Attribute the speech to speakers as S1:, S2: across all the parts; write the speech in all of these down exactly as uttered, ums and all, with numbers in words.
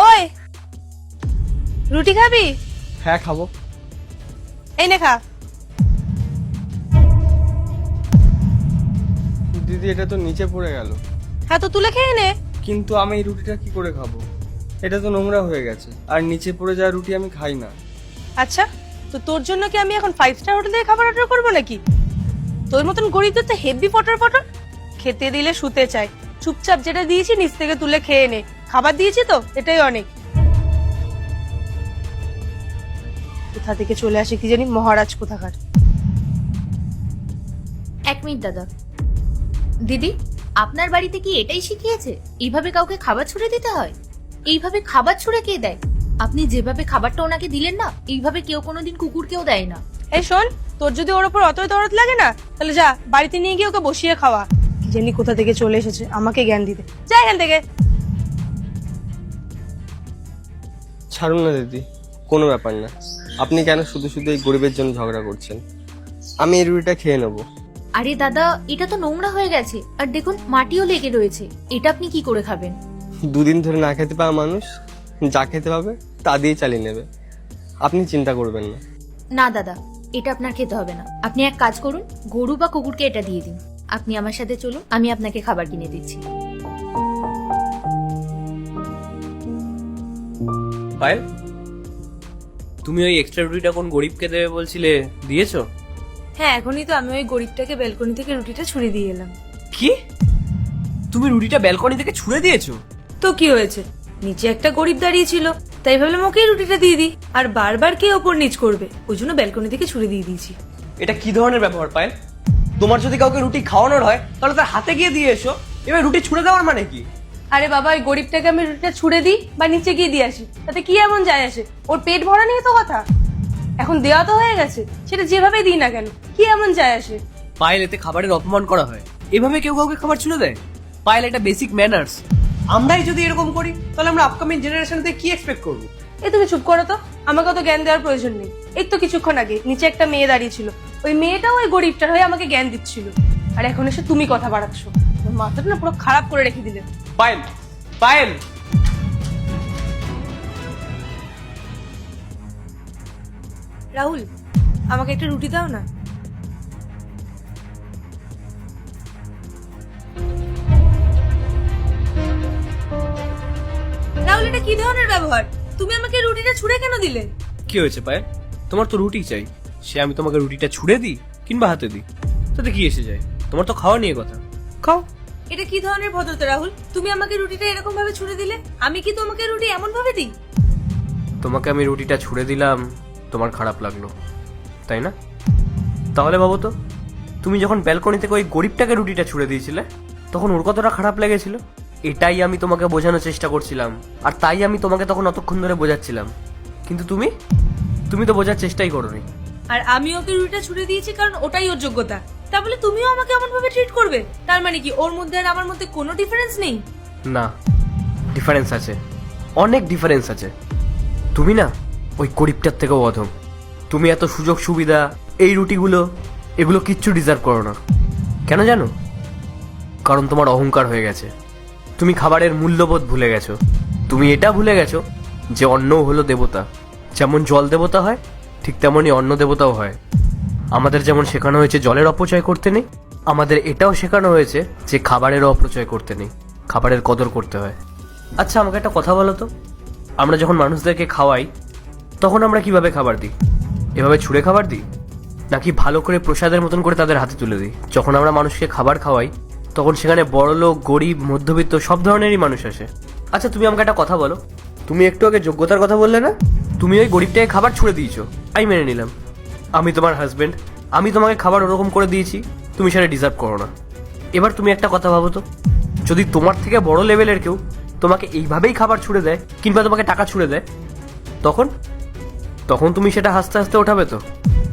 S1: ওই রুটি খাবি?
S2: হ্যাঁ খাবো।
S1: এই নে খা।
S2: দিদি এটা তো নিচে পড়ে গেল।
S1: হ্যাঁ তো তুলে খেয়ে নে।
S2: কিন্তু আমি এই রুটিটা কি করে খাবো? এটা তো নোংরা হয়ে গেছে, আর নিচে পড়ে যাওয়া রুটি আমি খাই না।
S1: আচ্ছা, তো তোর জন্য কি আমি এখন ফাইভ স্টার হোটেল থেকে খাবার অর্ডার করবো নাকি? তোর মতন গরিবদের তো হেভি পটর পটর, খেতে দিলে শুতে চাই। চুপচাপ যেটা দিয়েছি নিচ থেকে তুলে খেয়ে নে। খাবার দিয়েছি তো, এটাই অনেক। কোথা থেকে চলে আসে কি জানি, মহারাজ কোথাকার।
S3: এক মিনিট দাদা। দিদি, আপনার বাড়িতে কি এটাই শিখিয়েছে এইভাবে কাউকে খাবার ছুঁড়ে দিতে হয়? এইভাবে খাবার ছুঁড়ে কে দেয়? আপনি যেভাবে খাবারটা ওনাকে দিলেন না, এইভাবে কেউ কোনোদিন কুকুরকেও দেয় না।
S1: এই শোন, তোর যদি ওর উপর অতই দরদ লাগে না, তাহলে যা বাড়িতে নিয়ে গিয়ে ওকে বসিয়ে খাওয়া। কি জানি কোথা থেকে চলে এসেছে আমাকে জ্ঞান দিতে। যা এখান থেকে।
S2: ছাড়ুন না দিদি, কোনো ব্যাপার না। আপনি কেন শুধু শুধু এই গরিবের জন্য ঝগড়া করছেন? আমি এই রুটিটা খেয়ে নেবো।
S3: আরে দাদা, এটা তো নোংরা হয়ে গেছে, আর দেখুন মাটিও লেগে রয়েছে। এটা আপনি কি করে খাবেন?
S2: দুদিন ধরে না খেতে পাওয়া মানুষ যা খেতে পাবে তা দিয়ে চালিয়ে নেবে। আপনি চিন্তা করবেন না।
S3: না দাদা, এটা আপনার খেতে হবে না। আপনি এক কাজ করুন, গরু বা কুকুরকে এটা দিয়ে দিন। আপনি আমার সাথে চলুন, আমি আপনাকে খাবার কিনে দিচ্ছি।
S4: পায়েল, তুমি ওই এক্সট্রা রুটিটা কোন গরিবকে দেবে বলছিলে, দিয়েছো?
S1: হ্যাঁ, এখনই তো আমি ওই গরিবটাকে ব্যালকনি থেকে রুটিটা ছুঁড়ে দিয়ে এলাম।
S4: কি? তুমি রুটিটা ব্যালকনি থেকে ছুঁড়ে দিয়েছো?
S1: তো কি হয়েছে, নিচে একটা গরিব দাঁড়িয়ে ছিল, তাই ভাবলাম ওকেই রুটিটা দিয়ে দিই। আর বারবার কে ওপর নিচ করবে, ওই জন্য ব্যালকনি থেকে ছুঁড়ে দিয়ে দিয়েছি।
S4: এটা কি ধরনের ব্যবহার পায়েল? তোমার যদি কাউকে রুটি খাওয়ানোর হয় তাহলে তার হাতে গিয়ে দিয়ে এসো। এবার রুটি ছুঁড়ে দেওয়ার মানে কি?
S1: আরে বাবা, ওই গরিবটাকে আমি রুটিটা ছুঁড়ে দিই বা নিচে গিয়ে দিয়ে আসি, তাতে কি এমন যায় আসে? ওর পেট ভরা নিয়ে তো কথা। এখন দেওয়া তো হয়ে গেছে, সেটা যেভাবে দিই না কেন, কি এমন যায় আসে?
S4: পায়েল, এতে খাবারের অপমান করা হয়। এভাবে কেউ কাউকে খাবার ছুঁড়ে দেয়? পায়েল, এটা বেসিক ম্যানার্স। আমরাই যদি এরকম করি তাহলে আমরা আপকামিং জেনারেশনতে কি এক্সপেক্ট করবো?
S1: এই তুমি চুপ করো তো, আমাকে তো জ্ঞান দেওয়ার প্রয়োজন নেই। এই তো কিছুক্ষণ আগে নিচে একটা মেয়ে দাঁড়িয়ে ছিল, ওই মেয়েটাও ওই গরিবটার হয়ে আমাকে জ্ঞান দিচ্ছিল, আর এখন এসে তুমি কথা বাড়াচ্ছ। আমার মাথাটা না পুরো খারাপ করে রেখে দিলে।
S4: পায়েল, পায়েল,
S1: রাহুল, আমাকে একটা রুটি দাও না। রাহুল, এটা কি ধরনের ব্যবহার? তুমি আমাকে রুটিটা ছুঁড়ে কেন দিলে?
S4: কি হয়েছে পায়েল? তোমার তো রুটি চাই, সে আমি তোমাকে রুটিটা ছুঁড়ে দিই কিংবা হাতে দিই, তাতে কি এসে যায়? তোমার তো খাওয়া নিয়ে কথা, খাও।
S1: এটা কি ধরনের ভদ্রতা রাহুল? তুমি আমাকে রুটিটা এরকম ভাবে ছুঁড়ে দিলে, আমি কি তোমাকে রুটি এমন ভাবে দিই?
S4: তোমাকে আমি রুটিটা ছুঁড়ে দিলাম, তোমার খারাপ লাগলো, তাই না? তাহলে ভাবো তো, তুমি যখন ব্যালকনি থেকে ওই গরিবটাকে রুটিটা ছুঁড়ে দিয়েছিলে, তখন ওর কতটা খারাপ লেগেছিল? এটাই আমি তোমাকে বোঝানোর চেষ্টা করছিলাম, আর তাই আমি তোমাকে তখন অতক্ষণ ধরে বোঝাচ্ছিলাম। কিন্তু তুমি তুমি তো বোঝার চেষ্টাই করোনি।
S1: আর আমি ওকে রুটিটা ছুঁড়ে দিয়েছি কারণ ওটাই ওর যোগ্যতা। তা বলে তুমিও আমাকে এমন ভাবে ট্রিট করবে? তার মানে কি ওর মধ্যে আর আমার মধ্যে কোনো ডিফারেন্স নেই?
S4: না, ডিফারেন্স আছে, অনেক ডিফারেন্স আছে। তুমি না ওই গরিবটার থেকেও অধম। তুমি এত সুযোগ সুবিধা, এই রুটিগুলো, এগুলো কিচ্ছু ডিজার্ভ করো না। কেন জানো? কারণ তোমার অহংকার হয়ে গেছে। তুমি খাবারের মূল্যবোধ ভুলে গেছো। তুমি এটা ভুলে গেছো যে অন্নও হলো দেবতা। যেমন জল দেবতা হয়, ঠিক তেমনই অন্ন দেবতাও হয়। আমাদের যেমন শেখানো হয়েছে জলের অপচয় করতে নেই, আমাদের এটাও শেখানো হয়েছে যে খাবারেরও অপচয় করতে নেই, খাবারের কদর করতে হয়। আচ্ছা, আমাকে একটা কথা বলো তো, আমরা যখন মানুষদেরকে খাওয়াই তখন আমরা কিভাবে খাবার দিই? এভাবে ছুঁড়ে খাবার দিই, নাকি ভালো করে প্রসাদের মতন করে তাদের হাতে তুলে দিই? যখন আমরা মানুষকে খাবার খাওয়াই তখন সেখানে বড়লোক, গরিব, মধ্যবিত্ত সব ধরনেরই মানুষ আসে। আচ্ছা, তুমি আমাকে একটা কথা বলো, তুমি একটু আগে যোগ্যতার কথা বললে না? তুমি ওই গরিবটাকে খাবার ছুঁড়ে দিয়েছো, আমি মেনে নিলাম। আমি তোমার হাজবেন্ড, আমি তোমাকে খাবার ওরকম করে দিয়েছি, তুমি সেটা ডিজার্ভ করো না। এবার তুমি একটা কথা ভাবো তো, যদি তোমার থেকে বড় লেভেলের কেউ তোমাকে এইভাবেই খাবার ছুঁড়ে দেয় কিংবা তোমাকে টাকা ছুঁড়ে দেয়, তখন তখন তুমি সেটা হাসতে হাসতে ওঠাবে তো?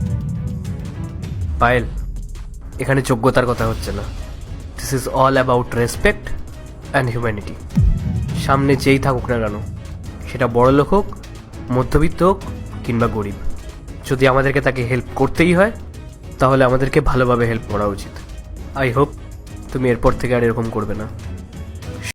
S4: পায়েল, এখানে যোগ্যতার কথা হচ্ছে না। This is all about respect and humanity. সামনে যেই থাকুক না কেন, সেটা বড় লোক হোক, মধ্যবিত্ত হোক কিংবা গরিব, যদি আমাদেরকে তাকে হেল্প করতেই হয় তাহলে আমাদেরকে ভালোভাবে হেল্প করা উচিত। আই হোপ তুমি এরপর থেকে আর এরকম করবে না।